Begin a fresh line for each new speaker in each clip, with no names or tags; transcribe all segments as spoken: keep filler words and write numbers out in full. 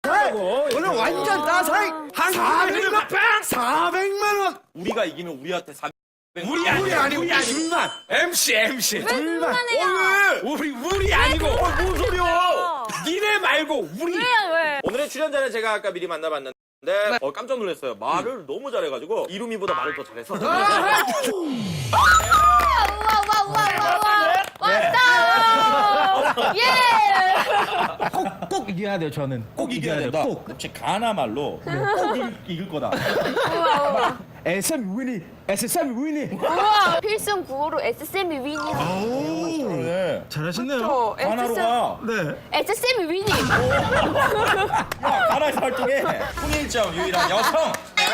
따사해. 오늘 완전 따사해. 한 사백만 빵. 사백만 원.
우리가 이기면 우리한테 사백.
우리 아니 우리 아니고 둘만.
엠씨 엠씨.
둘만.
오늘 우리 우리 아니고. 어, 뭔 소리야? 니네 말고 우리.
왜요 왜?
오늘의 출연자는 제가 아까 미리 만나봤는데 어, 깜짝 놀랐어요. 말을 너무 잘해가지고 이루미보다 말을 더 잘해서.
우와 우와 우와 우와 왔다. 예.
꼭, 꼭 이겨야 돼요, 저는.
꼭 이겨야 된다.
꼭.
혹시 가나 말로 꼭 이길, 이길 거다.
우와 우와.
에스엠 위니, 에스엠 위니.
우와 필승 구호로 에스쌤이 위니.
네.
잘하시네요.
저
가나로 가.
네.
에스쌤이 위니.
야, 가나에서 활동해. 풍일점 유일한 여성.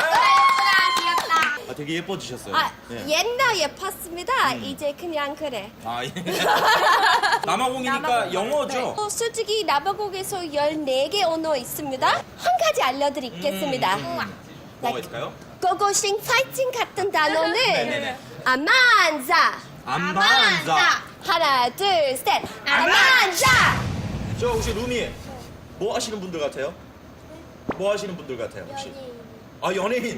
아, 되게 예뻐지셨어요.
아,
네.
옛날 예뻤습니다. 이제 그냥 그래.
아, 예. 남아공이니까 영어죠?
어, 솔직히 나바곡에서 열네 개 언어 있습니다. 한 가지 알려드리겠습니다.
뭐가 있을까요?
고고싱 파이팅 같은 단어는
네네네.
아만자.
안반자.
하나, 둘, 셋. 아만자.
저 혹시 루미 뭐 하시는 분들 같아요? 뭐 하시는 분들 같아요, 혹시? 아, 연예인.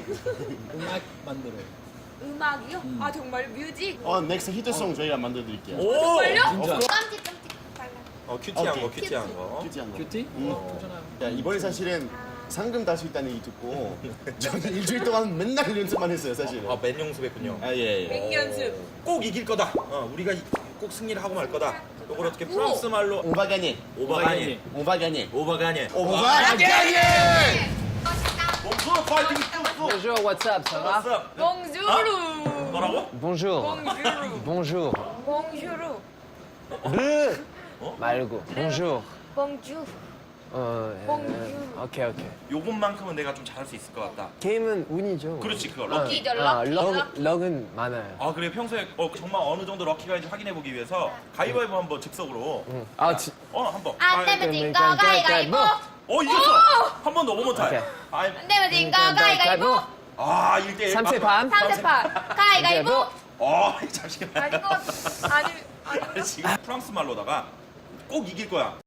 음악이요? 아 정말 뮤직.
어, 넥스트 히트송 저희가 만들어 드릴게요.
오!
정말요?
깜찍 깜찍 발라.
어, 큐티한
오케이.
거, 큐티한 거.
큐티한 거. 큐티? 응. 야, 이번에 사실은 상금 탈 수 있다는 얘기 듣고 저는 일주일 동안 맨날 연습만 했어요, 사실은.
아, 맨 연습했군요.
아, 예, 예.
연습.
꼭 이길 거다. 어, 우리가 이- 꼭 승리를 하고 말 거다. 이걸 어떻게 프랑스 말로
오바가니.
오바가니.
오바가니.
오바가니.
오바가니.
bonjour, 파이팅.
Bonjour, what's up, ça va?
왔어.
봉주루.
뭐라고?
Bonjour.
봉주루.
Bonjour.
봉주루.
르 말고 bonjour.
봉주.
어, 예,
Bonjour.
오케이 오케이.
요것만큼은 내가 좀 잘할 수 있을 것 같다.
게임은 운이죠.
그렇지, 그거
어,
럭키.
럭키죠,
어,
럭키.
럭, 럭은 많아요.
아, 그래 평소에 어, 정말 어느 정도 럭키가 있는지 확인해 보기 위해서 가위바위보 한번 즉석으로.
아, 지,
어, 한번.
안 되면
가위-
진거 가위가위보.
어, 이겼어. 한 번 더, 오버 타임.
오케이.
아,
안 되면 진거 가위가위보.
아, 일 대 일.
삼세 반.
삼세판. 가위가위보.
어, 잠시만.
아니 거 아니 아니.
지금 프랑스 말로다가 꼭 이길 거야.